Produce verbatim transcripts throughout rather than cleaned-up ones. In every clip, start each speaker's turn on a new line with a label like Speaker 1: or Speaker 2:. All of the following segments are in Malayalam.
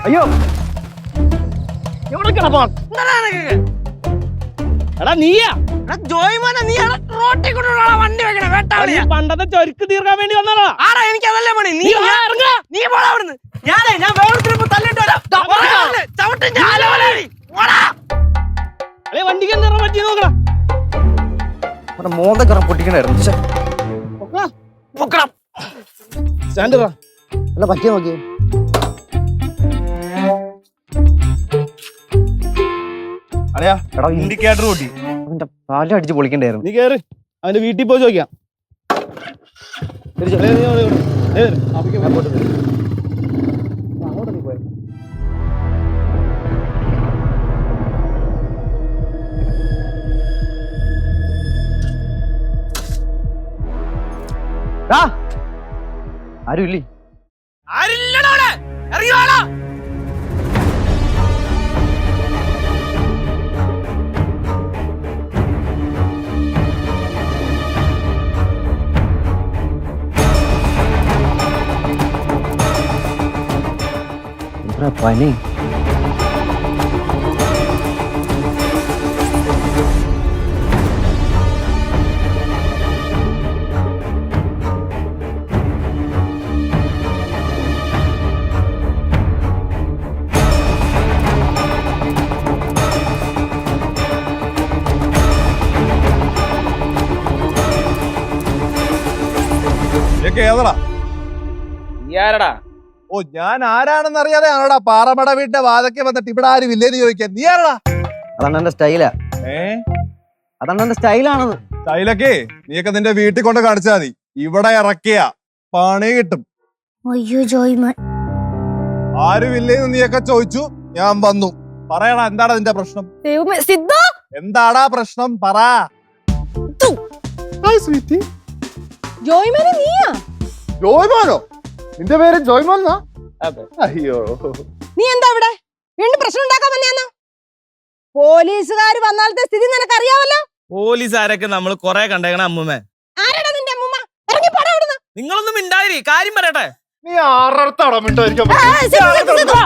Speaker 1: അയ്യോ എവിടെ കിടപ്പാ എടാ നീയാ
Speaker 2: ജോയ്മോനെ നീ റോട്ടിൽ കൊണ്ടുള്ള വണ്ടി വെക്കണേ വേട്ടാളിയാ.
Speaker 1: പണ്ടത്തെ ചൊരുക്ക് തീർക്കാൻ വേണ്ടി വന്നതാ.
Speaker 2: ആടാ എനിക്ക് അതല്ലേ പണി. നീ ഇറങ്ങ, നീ പോടാ അവിടുന്ന്. ഞാനേ ഞാൻ വേറൊരുത്തരിപ്പോ തല്ലിട്ട് വരാം. ചവിട്ടും
Speaker 1: വണ്ടിക്ക് എന്താ പറ്റി നോക്കടാ.
Speaker 3: മോന്തക്കറ പൊട്ടിക്കണായിരുന്നു.
Speaker 1: സ്റ്റാൻഡ്
Speaker 3: അല്ല പറ്റിയ നോക്കിയേ.
Speaker 1: അറിയാ എടാ ഇൻഡിക്കേറ്റർ കൂട്ടി
Speaker 3: അവന്റെ പാലം അടിച്ച് പൊളിക്കണ്ടായിരുന്നു.
Speaker 1: നീ കേറ്, അവന്റെ വീട്ടിൽ പോയി ചോദിക്കാം.
Speaker 3: ആരും ഇല്ലേ?
Speaker 2: ആരില്ലടോടെ ഇറങ്ങിവാടാ.
Speaker 3: പനി
Speaker 4: ഏതടാ
Speaker 1: ആരടാ?
Speaker 4: ഓ ഞാൻ ആരാണെന്ന് അറിയാതെ ആണോടാ പാറമട വീട്ടിന്റെ വാതൊക്കെ വന്നിട്ട് ഇവിടെ ആരും ഇല്ലേന്ന് ചോദിക്കാൻ. നീ ആരടാ?
Speaker 3: അതാണ് എന്റെ സ്റ്റൈലാ.
Speaker 4: ഏ
Speaker 3: അതാണ് എന്റെ സ്റ്റൈലാണെന്ന്.
Speaker 4: സ്റ്റൈലൊക്കെ നീയൊക്കെ നിന്റെ വീട്ടിൽ കൊണ്ട് കാണിച്ചാ മതി. ഇവിടെ ഇറക്കിയ പണി കിട്ടും.
Speaker 5: അയ്യോ ജോയ്മോൻ,
Speaker 4: ആരും ഇല്ലേന്ന് നീയൊക്കെ ചോദിച്ചു, ഞാൻ വന്നു. പറയടാ, എന്താടാ നിന്റെ പ്രശ്നം?
Speaker 5: സിദ്ധു
Speaker 4: എന്താടാ പ്രശ്നം? പറ.
Speaker 5: ജോയ്മോനെ നീയാ?
Speaker 4: ജോയ്മോനോ? നിന്റെ പേര് ജോയ്മോൻ? അയ്യോ,
Speaker 5: നീ എന്താ ഇവിടെ വീണ്ടും പ്രശ്നം ഉണ്ടാക്കാൻ വന്നെയാന്നോ? പോലീസുകാർ വന്നാലത്തെ സ്ഥിതി നിനക്ക് അറിയാവല്ലോ.
Speaker 1: പോലീസുകാരൊക്കെ നമ്മൾ കൊറേ കണ്ടേക്കണ അമ്മൂമ്മേ.
Speaker 5: ആരാടാ നിന്റെ അമ്മൂമ്മ? ഇറങ്ങി പോടാ അവിടുന്ന്.
Speaker 1: നിങ്ങളൊന്നും മിണ്ടായിരി, കാര്യം പറയട്ടെ.
Speaker 4: നീ ആറടത്താടാ മിണ്ടായിരിക്കാൻ?
Speaker 5: ആ, സിദ്ധു, സിദ്ധു, സിദ്ധു,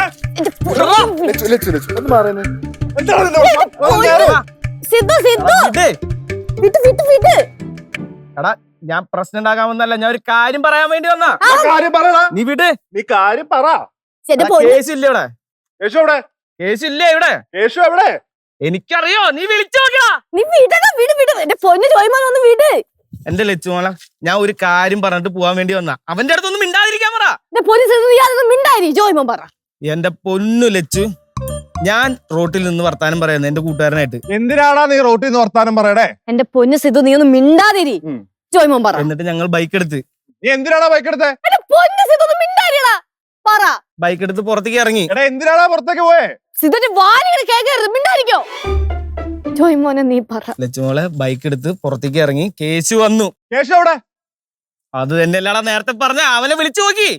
Speaker 5: സിദ്ധു, സിദ്ധു, വിട്ട്, വിട്ട്, വിട്ട്.
Speaker 1: എടാ ഞാൻ പ്രശ്നം ഉണ്ടാക്കാൻ വന്നല്ല, ഞാൻ ഒരു കാര്യം പറയാൻ വേണ്ടി വന്നാ.
Speaker 4: കാര്യം പറയടാ.
Speaker 1: നീ വിട്,
Speaker 4: നീ കാര്യം പറ.
Speaker 5: എന്റെ പൊന്ന്
Speaker 1: കേസ് ഇല്ല ഇവിടെ.
Speaker 4: യേശു എവിടെ?
Speaker 1: കേസ് ഇല്ല ഇവിടെ.
Speaker 4: യേശു എവിടെ?
Speaker 1: എനിക്കറിയോ, നീ വിളിച്ചു നോക്കടാ.
Speaker 5: നീ വിടടാ, വിട്, വിട്. എന്റെ പൊന്ന് ജോയ്മോൻ ഒന്ന് വിട്.
Speaker 1: എന്റെ ലച്ചുമോള, ഞാൻ ഒരു കാര്യം പറഞ്ഞിട്ട് പോവാൻ വേണ്ടി വന്നാ. അവന്റെ അടുത്തൊന്നും മിണ്ടാതിരിക്കാൻ പറ.
Speaker 5: എന്റെ പോലീസ് യാതൊന്നും മിണ്ടായി. ജോയ്മോൻ പറ.
Speaker 1: എന്റെ പൊന്നു ലച്ചു, ഞാൻ റോട്ടിൽ നിന്ന് വർത്താനം പറയുന്നത് എന്റെ കൂട്ടുകാരനായിട്ട്.
Speaker 4: എന്തിനാടാ നീ റോട്ടിൽ നിന്ന് വർത്താനം പറയടേ?
Speaker 5: എന്റെ പൊന്ന് സിദ്ധു, നീ ഒന്ന് മിണ്ടാതിരി. ജോയ്മോൻ പറ.
Speaker 1: എന്നിട്ട് ഞങ്ങൾ ബൈക്ക് എടുത്ത്.
Speaker 4: നീ എന്തിനാടാ ബൈക്ക് എടുത്തേ?
Speaker 5: എന്റെ പൊന്ന് സിദ്ധു ഒന്ന് മിണ്ടാതിരിടാ. പറ.
Speaker 1: ബൈക്ക് എടുത്ത് പുറത്തേക്ക് ഇറങ്ങി.
Speaker 4: എടാ എന്തിനാടാ പുറത്തേക്ക് പോയേ?
Speaker 5: സിദ്ധുന്റെ വാലിങ്ങനെ കേൾക്കരുത്, മിണ്ടായിരിക്കോ. ജോയ്മോനെ നീ പറ.
Speaker 1: ലച്ചുമോളെ ബൈക്ക് എടുത്ത് പുറത്തേക്ക് ഇറങ്ങി. കേസ് വന്നു.
Speaker 4: യേശു എവിടെ?
Speaker 1: അത് തന്നെ അല്ലാടാ നേരത്തെ പറഞ്ഞ. അവനെ വിളിച്ചു നോക്കി.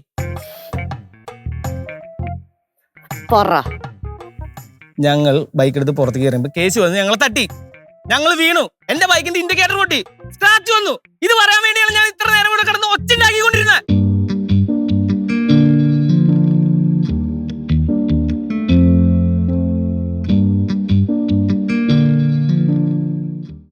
Speaker 5: പറ.
Speaker 1: ഞങ്ങൾ ബൈക്ക് എടുത്ത് പുറത്തേക്ക് ഇറങ്ങുമ്പോ കേസ് വന്നു. ഞങ്ങളെ തട്ടി, ഞങ്ങൾ വീണു. എന്റെ ബൈക്കിന്റെ ഇൻഡിക്കേറ്റർ പൊട്ടി, സ്ക്രാച്ച് വന്നു. ഇത് പറയാൻ വേണ്ടിയാണ് ഞാൻ ഇത്ര നേരം കൂടെ കിടന്ന് ഒച്ച ഉണ്ടാക്കിക്കൊണ്ടിരുന്നത്.